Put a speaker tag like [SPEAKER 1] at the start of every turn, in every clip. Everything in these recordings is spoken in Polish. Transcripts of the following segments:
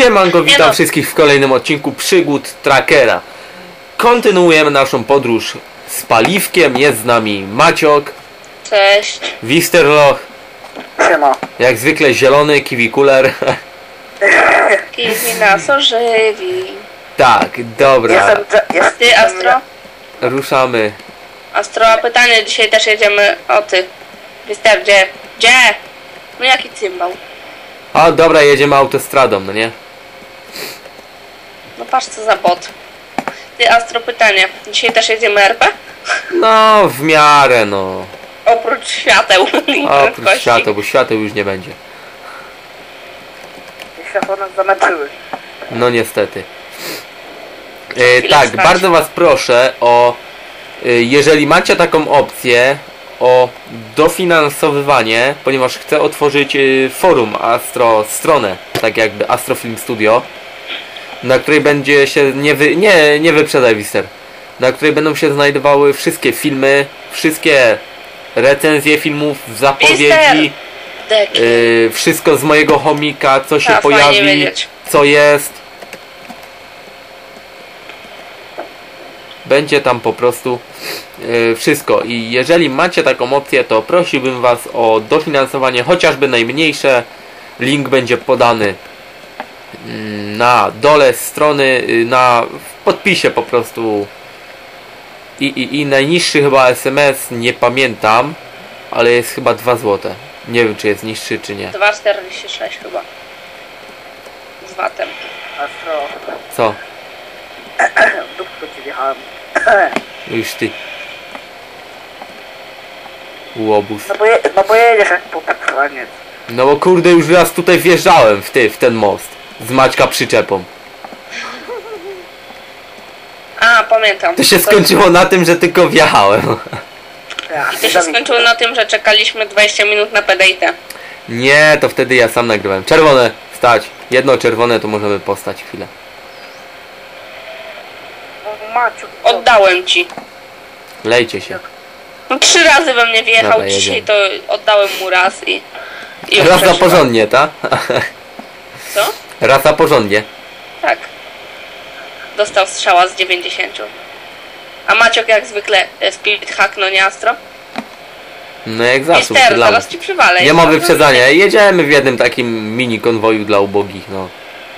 [SPEAKER 1] Siemanko, witam wszystkich w kolejnym odcinku Przygód Trackera. Kontynuujemy naszą podróż z paliwkiem. Jest z nami Maciok.
[SPEAKER 2] Cześć.
[SPEAKER 1] Wisterloch.
[SPEAKER 3] Siema.
[SPEAKER 1] Jak zwykle zielony kiwikuler.
[SPEAKER 2] Kiwi nas ożywi.
[SPEAKER 1] Tak, dobra.
[SPEAKER 2] Ty, Astro?
[SPEAKER 1] Ruszamy.
[SPEAKER 2] Astro, a pytanie, dzisiaj też jedziemy. O ty. Wister, gdzie? Gdzie? No jaki cymbał?
[SPEAKER 1] A dobra, jedziemy autostradą, no nie?
[SPEAKER 2] No patrz co za bot. Ty, Astro, pytanie. Dzisiaj też jedziemy RP?
[SPEAKER 1] No, w miarę, no.
[SPEAKER 2] Oprócz świateł i
[SPEAKER 1] Oprócz
[SPEAKER 2] prędkości.
[SPEAKER 1] świateł, bo świateł już nie będzie.
[SPEAKER 3] Światło nas zamęczyły.
[SPEAKER 1] No niestety.
[SPEAKER 2] Chwilę
[SPEAKER 1] Tak,
[SPEAKER 2] stać.
[SPEAKER 1] bardzo was proszę o, jeżeli macie taką opcję, o dofinansowywanie, ponieważ chcę otworzyć forum stronę, tak jakby Astro Film Studio, na której będzie się, nie wyprzedaj Wister, na której będą się znajdowały wszystkie filmy, wszystkie recenzje filmów, zapowiedzi, wszystko z mojego chomika, co się
[SPEAKER 2] A, fajnie
[SPEAKER 1] pojawi,
[SPEAKER 2] wiedzieć.
[SPEAKER 1] co jest. Będzie tam po prostu wszystko. I jeżeli macie taką opcję, to prosiłbym was o dofinansowanie, chociażby najmniejsze. Link będzie podany na dole strony, w podpisie po prostu. I najniższy chyba SMS, nie pamiętam, ale jest chyba 2 złote. Nie wiem, czy jest niższy, czy nie.
[SPEAKER 2] 2,46 chyba. Z watem.
[SPEAKER 3] Astro.
[SPEAKER 1] Co?
[SPEAKER 3] W dupko ci wjechałem.
[SPEAKER 1] Już ty. Łobuz.
[SPEAKER 3] No bo jedziesz jak popatrzaniec.
[SPEAKER 1] No bo kurde, już raz tutaj wjeżdżałem w ten most. Z Maćka przyczepą.
[SPEAKER 2] A, pamiętam.
[SPEAKER 1] To się skończyło na tym, że tylko wjechałem.
[SPEAKER 2] I to się skończyło na tym, że czekaliśmy 20 minut na PDIT.
[SPEAKER 1] Nie, to wtedy ja sam nagrywałem. Czerwone, stać. Jedno czerwone, to możemy postać chwilę.
[SPEAKER 3] Maciu.
[SPEAKER 2] Oddałem ci.
[SPEAKER 1] Lejcie się.
[SPEAKER 2] No 3 razy we mnie wjechał,
[SPEAKER 1] Dobra,
[SPEAKER 2] dzisiaj
[SPEAKER 1] jedziemy.
[SPEAKER 2] to oddałem mu raz i
[SPEAKER 1] Raz na
[SPEAKER 2] przeżyłem.
[SPEAKER 1] porządnie, ta?
[SPEAKER 2] Co?
[SPEAKER 1] Raz na porządnie.
[SPEAKER 2] Tak. Dostał strzała z 90. A Maciok jak zwykle speed hack, no nie Astro?
[SPEAKER 1] No jak zawsze.
[SPEAKER 2] Mister, zaraz ci przywalę.
[SPEAKER 1] Nie ma wyprzedzania. Jedziemy w jednym takim mini konwoju dla ubogich, no.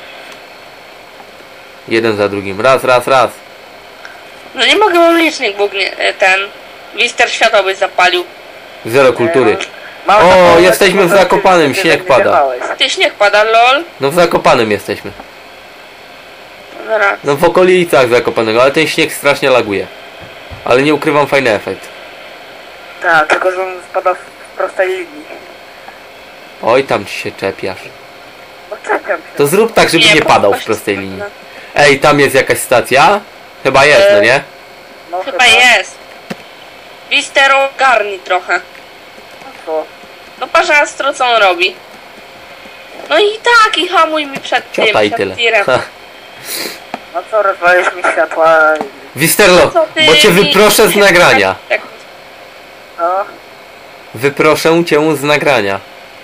[SPEAKER 1] Jeden za drugim. Raz.
[SPEAKER 2] No nie mogę, mam licznik, bo ten Wister światła byś zapalił.
[SPEAKER 1] Zero kultury. O, jesteśmy w Zakopanem, śnieg pada.
[SPEAKER 2] Ty, śnieg pada, lol.
[SPEAKER 1] No w Zakopanem jesteśmy.
[SPEAKER 2] Zaraz.
[SPEAKER 1] No w okolicach Zakopanego, ale ten śnieg strasznie laguje. Ale nie ukrywam, fajny efekt.
[SPEAKER 3] Tak, tylko że on spada w prostej linii.
[SPEAKER 1] Oj, tam ci się czepiasz.
[SPEAKER 3] No czekam się.
[SPEAKER 1] To zrób tak, żeby nie padał w prostej linii. Ej, tam jest jakaś stacja? Chyba jest, no nie?
[SPEAKER 3] No
[SPEAKER 2] Chyba jest. Wister, ogarnij trochę.
[SPEAKER 3] No co?
[SPEAKER 2] No patrz Astro, co on robi. No i tak, i hamuj mi przed tym,
[SPEAKER 1] Ciota i
[SPEAKER 2] przed
[SPEAKER 1] tyle.
[SPEAKER 2] tirem.
[SPEAKER 3] No co, rozwalisz mi światła.
[SPEAKER 1] Wisterlo,
[SPEAKER 2] Co ty
[SPEAKER 1] bo cię
[SPEAKER 2] mi-
[SPEAKER 1] wyproszę z nagrania.
[SPEAKER 2] Tak.
[SPEAKER 3] No.
[SPEAKER 1] Wyproszę cię z nagrania.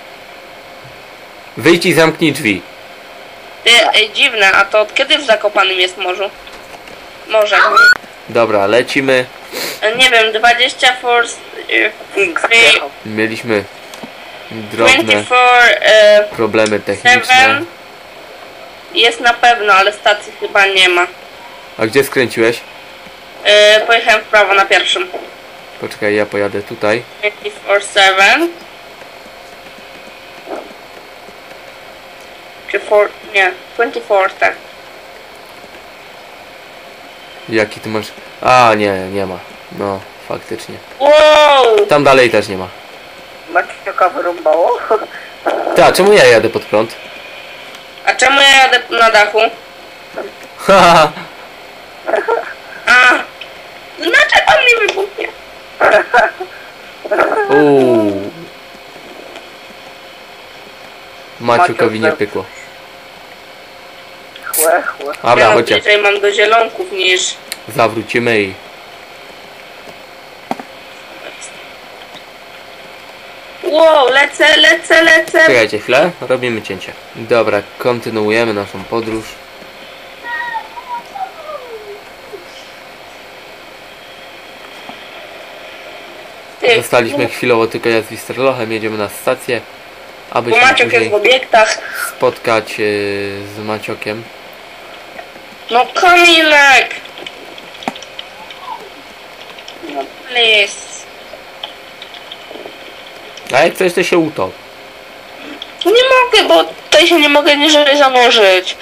[SPEAKER 1] Wyjdź i zamknij drzwi.
[SPEAKER 2] Ty, dziwne, a to od kiedy w Zakopanym jest morzu? Morze.
[SPEAKER 1] Dobra, lecimy.
[SPEAKER 2] Nie wiem, 20 force...
[SPEAKER 3] King przyjechał.
[SPEAKER 1] Mieliśmy drobne
[SPEAKER 2] 24,
[SPEAKER 1] problemy techniczne.
[SPEAKER 2] 7 jest na pewno, ale stacji chyba nie ma.
[SPEAKER 1] A gdzie skręciłeś?
[SPEAKER 2] Pojechałem w prawo na pierwszym.
[SPEAKER 1] Poczekaj, ja pojadę tutaj.
[SPEAKER 2] 24-7 czy 4, nie, 24, tak.
[SPEAKER 1] Jaki ty masz... A, nie ma. No, faktycznie.
[SPEAKER 2] Wow!
[SPEAKER 1] Tam dalej też nie ma.
[SPEAKER 3] Macioka wyrąbało?
[SPEAKER 1] Ta, czemu ja jadę pod prąd?
[SPEAKER 2] A czemu ja jadę na dachu?
[SPEAKER 1] Haha.
[SPEAKER 2] A! Znaczy pan mi wybuchnie.
[SPEAKER 1] Uuu. Maciukowi nie pykło.
[SPEAKER 3] Chłe.
[SPEAKER 1] Dobra,
[SPEAKER 2] Ja
[SPEAKER 1] chodźcie.
[SPEAKER 2] bliżej mam do zielonków niż...
[SPEAKER 1] Zawrócimy i...
[SPEAKER 2] Wow, lecę.
[SPEAKER 1] Czekajcie chwilę, robimy cięcie. Dobra, kontynuujemy naszą podróż.
[SPEAKER 2] Ty,
[SPEAKER 1] Zostaliśmy chwilowo tylko ja z Wisterlochem, jedziemy na stację, aby
[SPEAKER 2] bo
[SPEAKER 1] się
[SPEAKER 2] Maciok jest
[SPEAKER 1] później
[SPEAKER 2] w obiektach.
[SPEAKER 1] spotkać z Maciokiem.
[SPEAKER 2] No Kamilek! No please.
[SPEAKER 1] A jak coś to się utop.
[SPEAKER 2] Nie mogę, bo tutaj się nie mogę niżej zanurzyć.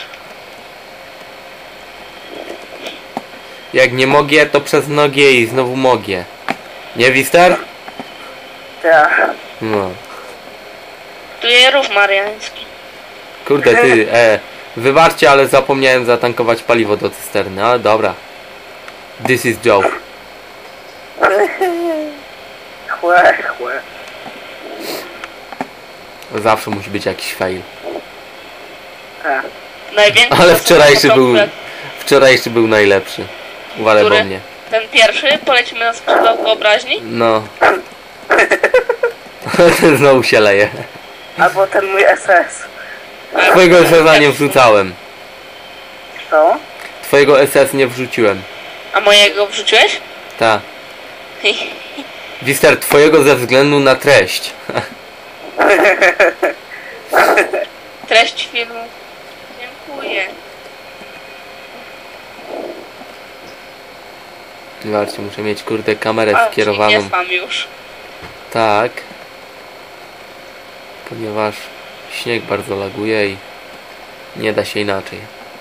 [SPEAKER 1] Jak nie mogę, to przez nogie i znowu mogę. Nie, Wister?
[SPEAKER 3] Tak.
[SPEAKER 1] No.
[SPEAKER 2] Tu jest rów mariański.
[SPEAKER 1] Kurde ty, wybaczcie, ale zapomniałem zatankować paliwo do cysterny, ale dobra. This is joke.
[SPEAKER 3] Chłe.
[SPEAKER 1] Zawsze musi być jakiś fail.
[SPEAKER 3] Tak.
[SPEAKER 2] Największy
[SPEAKER 1] Ale
[SPEAKER 2] problem.
[SPEAKER 1] wczorajszy był najlepszy. Uważaj
[SPEAKER 2] Który?
[SPEAKER 1] po mnie.
[SPEAKER 2] Ten pierwszy, polecimy na skrzydła wyobraźni.
[SPEAKER 1] No. Ten znowu się leje.
[SPEAKER 3] Albo ten mój SS.
[SPEAKER 1] Twojego SS nie wrzucałem.
[SPEAKER 3] Co?
[SPEAKER 1] Twojego SS nie wrzuciłem.
[SPEAKER 2] A mojego wrzuciłeś?
[SPEAKER 1] Ta. Wister, twojego ze względu na treść.
[SPEAKER 2] Treść filmu. Dziękuję.
[SPEAKER 1] Zobaczcie, muszę mieć kurde kamerę
[SPEAKER 2] A, czyli
[SPEAKER 1] skierowaną.
[SPEAKER 2] nie spam już.
[SPEAKER 1] Tak. Ponieważ śnieg bardzo laguje i nie da się inaczej.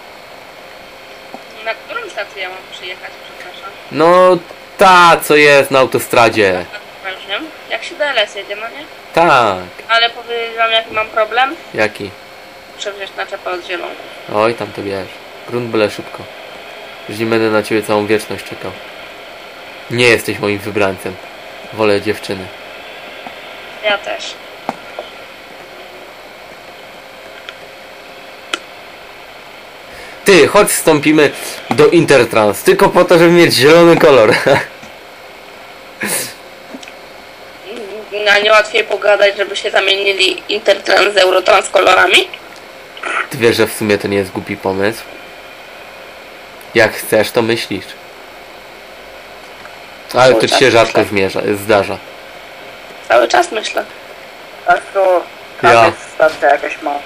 [SPEAKER 2] Na którą stację ja mam przyjechać, przepraszam?
[SPEAKER 1] No ta, co jest na autostradzie.
[SPEAKER 2] Ja już wiem. Jak się DLS jedzie, no nie?
[SPEAKER 1] Tak.
[SPEAKER 2] Ale powiedzieć wam jaki mam problem?
[SPEAKER 1] Jaki?
[SPEAKER 2] Muszę wziąć naczepę od zieloną.
[SPEAKER 1] Oj, tam to wiesz. Grunt byle szybko. Już nie będę na ciebie całą wieczność czekał. Nie jesteś moim wybrańcem. Wolę dziewczyny.
[SPEAKER 2] Ja też.
[SPEAKER 1] Ty, chodź wstąpimy do Intertrans. Tylko po to, żeby mieć zielony kolor.
[SPEAKER 2] A nie łatwiej pogadać, żeby się zamienili Intertrans z Eurotrans kolorami?
[SPEAKER 1] Ty wiesz, że w sumie to nie jest głupi pomysł. Jak chcesz, to myślisz. Ale to ci się rzadko zdarza.
[SPEAKER 2] Cały czas myślę.
[SPEAKER 3] A to
[SPEAKER 1] Ja.
[SPEAKER 3] tam jest stacja jakaś mała.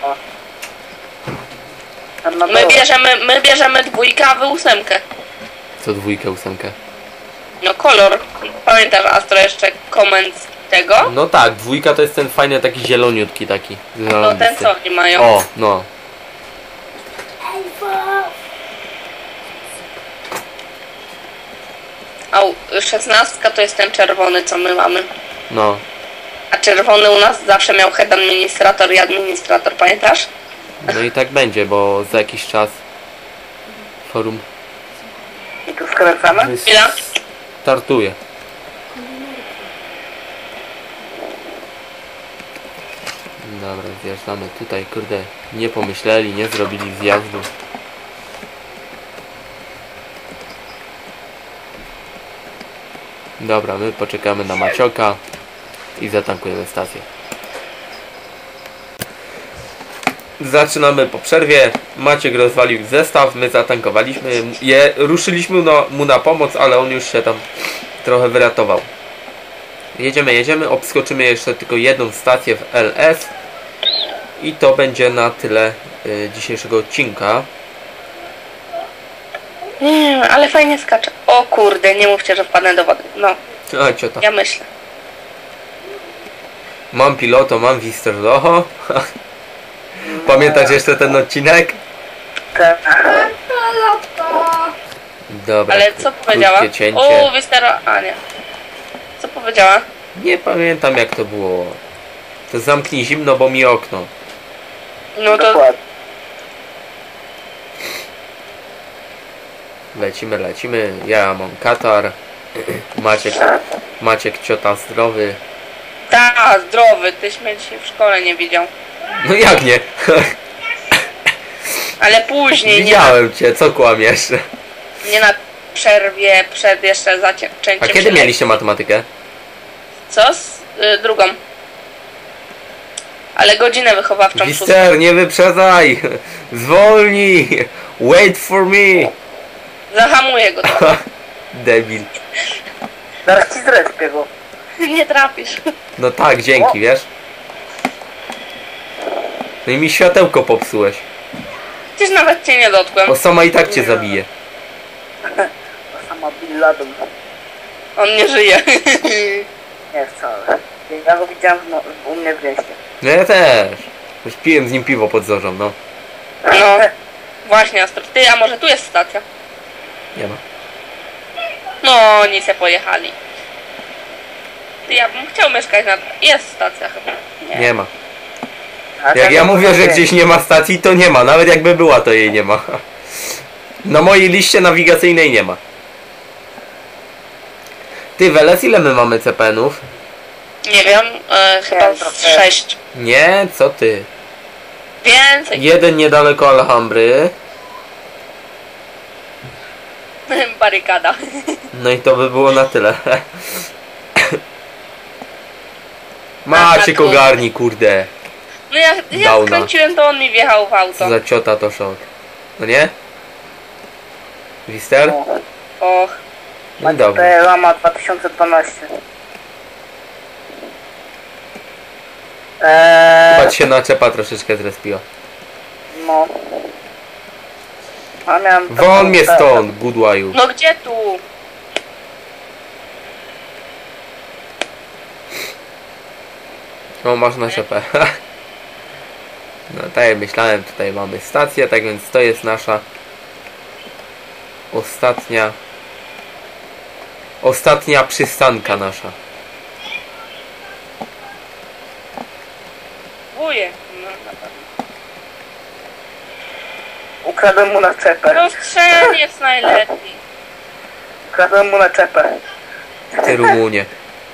[SPEAKER 3] Tam na
[SPEAKER 2] My
[SPEAKER 3] dole.
[SPEAKER 2] bierzemy dwójkę, a wy ósemkę.
[SPEAKER 1] Co dwójkę, ósemkę?
[SPEAKER 2] No kolor. Pamiętasz, Astro, jeszcze koment tego?
[SPEAKER 1] No tak, dwójka to jest ten fajny taki zieloniutki taki.
[SPEAKER 2] No ten co oni mają.
[SPEAKER 1] O, no.
[SPEAKER 2] A 16 to jest ten czerwony, co my mamy.
[SPEAKER 1] No.
[SPEAKER 2] A czerwony u nas zawsze miał head administrator i administrator, pamiętasz?
[SPEAKER 1] No i tak będzie, bo za jakiś czas forum
[SPEAKER 3] I tu skręcamy?
[SPEAKER 2] Ile?
[SPEAKER 1] startuje. Dobra, zjeżdżamy tutaj, kurde, nie pomyśleli, nie zrobili zjazdu. Dobra, my poczekamy na Macioka i zatankujemy stację. Zaczynamy po przerwie. Maciek rozwalił zestaw, my zatankowaliśmy je, ruszyliśmy mu na pomoc, ale on już się tam trochę wyratował. Jedziemy, obskoczymy jeszcze tylko jedną stację w LS i to będzie na tyle dzisiejszego odcinka.
[SPEAKER 2] Nie, ale fajnie skacze. O kurde, nie mówcie, że wpadnę do wody. No,
[SPEAKER 1] A ciota.
[SPEAKER 2] ja myślę.
[SPEAKER 1] Mam piloto, mam Wisterloho. Pamiętasz jeszcze ten odcinek?
[SPEAKER 3] Tak.
[SPEAKER 1] Dobra.
[SPEAKER 2] Ale co powiedziała?
[SPEAKER 1] krótkie cięcie.
[SPEAKER 2] O, wystara... A nie. Co powiedziała?
[SPEAKER 1] Nie pamiętam jak to było. To zamknij zimno, bo mi okno.
[SPEAKER 2] No to...
[SPEAKER 3] Dokładnie.
[SPEAKER 1] Lecimy. Ja mam katar. Maciek ciota zdrowy.
[SPEAKER 2] Ta, zdrowy, tyś mnie dzisiaj w szkole nie widział.
[SPEAKER 1] No jak nie?
[SPEAKER 2] Ale później,
[SPEAKER 1] Widziałem cię, co kłamiesz?
[SPEAKER 2] nie na przerwie, przed jeszcze zacięciem
[SPEAKER 1] A kiedy mieliście matematykę?
[SPEAKER 2] Co? Drugą. Ale godzinę wychowawczą szóstą.
[SPEAKER 1] Mister, nie wyprzedzaj! Zwolnij! Wait for me!
[SPEAKER 2] Zahamuję go trochę.
[SPEAKER 1] Debil.
[SPEAKER 3] Zaraz ci zrespię go.
[SPEAKER 2] Nie trafisz.
[SPEAKER 1] No tak, dzięki, wiesz? No i mi światełko popsułeś.
[SPEAKER 2] Przecież nawet cię nie dotkłem.
[SPEAKER 1] Osama i tak cię zabije.
[SPEAKER 3] To sama Bin Laden.
[SPEAKER 2] On nie żyje.
[SPEAKER 3] Nie wcale. Ja go widziałem u mnie w mieście.
[SPEAKER 1] No ja też. Już piłem z nim piwo pod zorzą, no.
[SPEAKER 2] No. Właśnie, Astro. Ty, a może tu jest stacja?
[SPEAKER 1] Nie ma.
[SPEAKER 2] No, oni se pojechali. Ty, ja bym chciał mieszkać na... Jest stacja chyba.
[SPEAKER 1] Nie ma.
[SPEAKER 3] A
[SPEAKER 1] Jak
[SPEAKER 3] czego
[SPEAKER 1] ja mówię,
[SPEAKER 3] to
[SPEAKER 1] że
[SPEAKER 3] wie?
[SPEAKER 1] gdzieś nie ma stacji, to nie ma. Nawet jakby była, to jej nie ma. Na mojej liście nawigacyjnej nie ma. Ty, Weles, ile my mamy CPN-ów?
[SPEAKER 2] Nie wiem, chyba
[SPEAKER 3] Nie,
[SPEAKER 2] z
[SPEAKER 3] trochę.
[SPEAKER 2] 6.
[SPEAKER 1] Nie, co ty?
[SPEAKER 2] Więcej.
[SPEAKER 1] Jeden niedaleko Alhambry.
[SPEAKER 2] Barykada.
[SPEAKER 1] No i to by było na tyle. Maciek ogarni, kurde.
[SPEAKER 2] No ja
[SPEAKER 1] Downa.
[SPEAKER 2] skręciłem, to on mi wjechał w auto.
[SPEAKER 1] Co za ciota to szok. No nie? Wister?
[SPEAKER 3] No.
[SPEAKER 2] Och.
[SPEAKER 1] No dobrze.
[SPEAKER 3] To Lama 2012.
[SPEAKER 1] Chyba ci się naczepa troszeczkę zrespiła.
[SPEAKER 3] No. A miałem
[SPEAKER 1] Won mnie stąd, Goodwaju.
[SPEAKER 2] No gdzie tu?
[SPEAKER 1] O, masz naczepę. No tak jak myślałem, tutaj mamy stację, tak więc to jest nasza ostatnia przystanka nasza.
[SPEAKER 2] Wuje. No, na pewno.
[SPEAKER 3] Ukradłem mu naczepę.
[SPEAKER 2] No strzeliec najlepiej.
[SPEAKER 3] Ukradłem mu naczepę.
[SPEAKER 1] Ty Rumunie.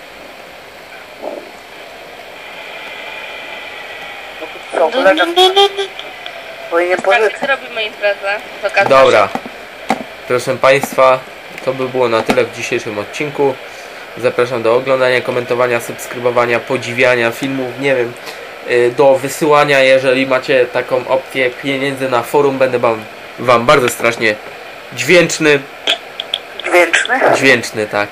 [SPEAKER 3] Co, kolega powinien
[SPEAKER 2] Tak,
[SPEAKER 3] pożyczyć.
[SPEAKER 2] więc robimy imprezę. z okazji-
[SPEAKER 1] Dobra. Proszę Państwa, to by było na tyle w dzisiejszym odcinku. Zapraszam do oglądania, komentowania, subskrybowania, podziwiania filmów, nie wiem, do wysyłania, jeżeli macie taką opcję pieniędzy na forum, będę wam bardzo strasznie dźwięczny, tak.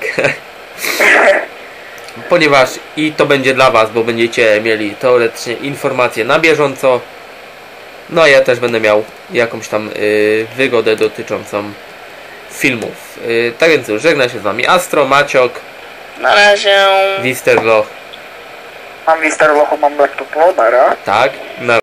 [SPEAKER 1] Ponieważ i to będzie dla Was, bo będziecie mieli teoretycznie informacje na bieżąco. No a ja też będę miał jakąś tam wygodę dotyczącą filmów. Tak więc już żegna się z Wami Astro, Maciok,
[SPEAKER 2] Na razie.
[SPEAKER 1] Wisterloch,
[SPEAKER 3] Mam Mister Locho, mam laptopa, nara.
[SPEAKER 1] tak, na